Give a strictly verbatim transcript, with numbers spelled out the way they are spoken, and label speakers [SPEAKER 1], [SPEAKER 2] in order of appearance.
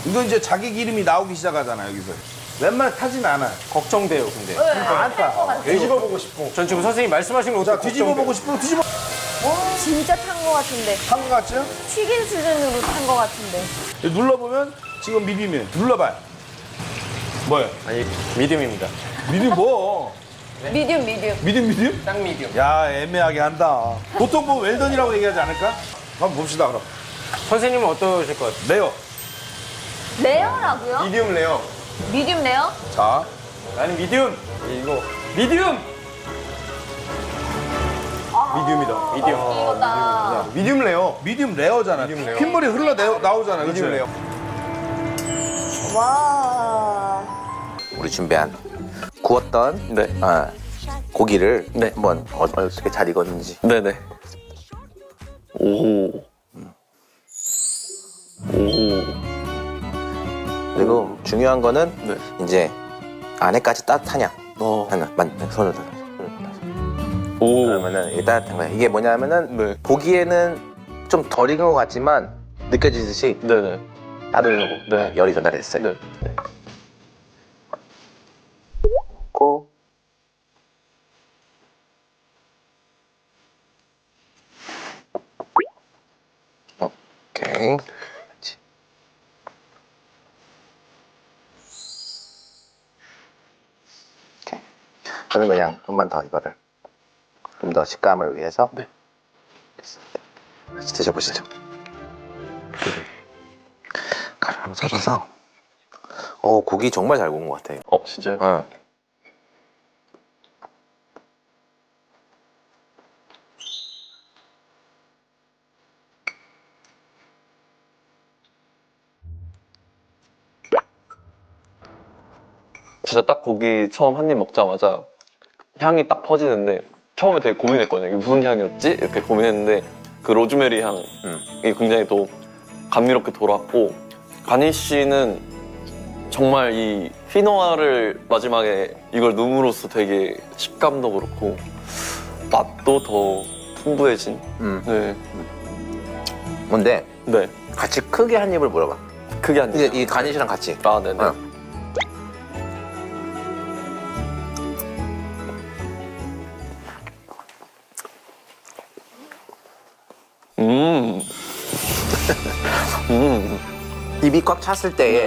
[SPEAKER 1] 이건 이제 자기 기름이 나오기 시작하잖아 여기서. 웬만하면 타진 않아.
[SPEAKER 2] 걱정돼요, 근데.
[SPEAKER 3] 네, 안 탈 것 같아요.
[SPEAKER 2] 뒤집어 보고 싶어. 전 지금 선생님 말씀하신 거
[SPEAKER 1] 자
[SPEAKER 2] 어떻게
[SPEAKER 1] 뒤집어 보고 싶으면 뒤집어.
[SPEAKER 3] 진짜 탄 것 같은데.
[SPEAKER 1] 탄 거 같죠?
[SPEAKER 3] 튀긴 수준으로 탄 것 같은데.
[SPEAKER 1] 눌러보면 지금 미디움이에요. 눌러봐요. 뭐예요?
[SPEAKER 2] 아니, 미디움입니다.
[SPEAKER 1] 미디움 뭐?
[SPEAKER 3] 미디움, 미디움.
[SPEAKER 1] 미디움 미디움?
[SPEAKER 2] 딱 미디움.
[SPEAKER 1] 야 애매하게 한다. 보통 뭐 웰던이라고 얘기하지 않을까? 한번 봅시다 그럼.
[SPEAKER 2] 선생님은 어떠실 것 같아요?
[SPEAKER 1] 레어.
[SPEAKER 3] 레어라고요?
[SPEAKER 2] 미디움 레어.
[SPEAKER 3] 미디움 레어?
[SPEAKER 1] 자.
[SPEAKER 2] 나는 미디움. 이거. 미디움! 미디움이다. 미디움.
[SPEAKER 3] 이거다.
[SPEAKER 2] 미디움 레어.
[SPEAKER 1] 미디움 레어잖아.
[SPEAKER 2] 미디움 레어.
[SPEAKER 1] 핏물이 흘러 내어- 나오잖아.
[SPEAKER 2] 미디움
[SPEAKER 1] 그치?
[SPEAKER 2] 레어.
[SPEAKER 3] 와.
[SPEAKER 4] 우리 준비한 구웠던
[SPEAKER 2] 네.
[SPEAKER 4] 어, 고기를
[SPEAKER 2] 네.
[SPEAKER 4] 한번 어- 어떻게 잘 익었는지.
[SPEAKER 2] 네네. 오. 오.
[SPEAKER 4] 그리고 중요한 거는
[SPEAKER 2] 네.
[SPEAKER 4] 이제 안에까지 따뜻하냐
[SPEAKER 2] 어.
[SPEAKER 4] 하는 만 손을 들어.
[SPEAKER 2] 오.
[SPEAKER 4] 그러면은 이게 따뜻한 거야. 이게 뭐냐면은
[SPEAKER 2] 네.
[SPEAKER 4] 보기에는 좀 덜 익은 것 같지만 느껴지듯이
[SPEAKER 2] 네네.
[SPEAKER 4] 따뜻하고
[SPEAKER 2] 네.
[SPEAKER 4] 열이 전달됐어요.
[SPEAKER 2] 네.
[SPEAKER 4] 고 오케이. 그렇지. 오케이. 저는 그냥 좀만 더 이거를 좀 더 식감을 위해서
[SPEAKER 2] 네.
[SPEAKER 4] 같이 드셔보시죠. 가루로 썰어서. 어 고기 정말 잘 구운 것 같아요.
[SPEAKER 2] 어, 진짜요?
[SPEAKER 4] 어.
[SPEAKER 5] 진짜 딱 고기 처음 한 입 먹자마자 향이 딱 퍼지는데 처음에 되게 고민했거든요. 이게 무슨 향이었지? 이렇게 고민했는데 그 로즈메리 향이
[SPEAKER 4] 음.
[SPEAKER 5] 굉장히 또 감미롭게 돌았고 가니쉬는 정말 이 휘노아를 마지막에 이걸 넣음으로써 되게 식감도 그렇고 맛도 더 풍부해진
[SPEAKER 4] 음.
[SPEAKER 5] 네,
[SPEAKER 4] 근데
[SPEAKER 5] 네.
[SPEAKER 4] 같이 크게 한 입을 물어봐.
[SPEAKER 5] 크게 한
[SPEAKER 4] 이제
[SPEAKER 5] 입.
[SPEAKER 4] 이 가니쉬랑 같이.
[SPEAKER 5] 아, 네네.
[SPEAKER 4] 어.
[SPEAKER 5] 음. 음.
[SPEAKER 4] 입이 꽉 찼을 때에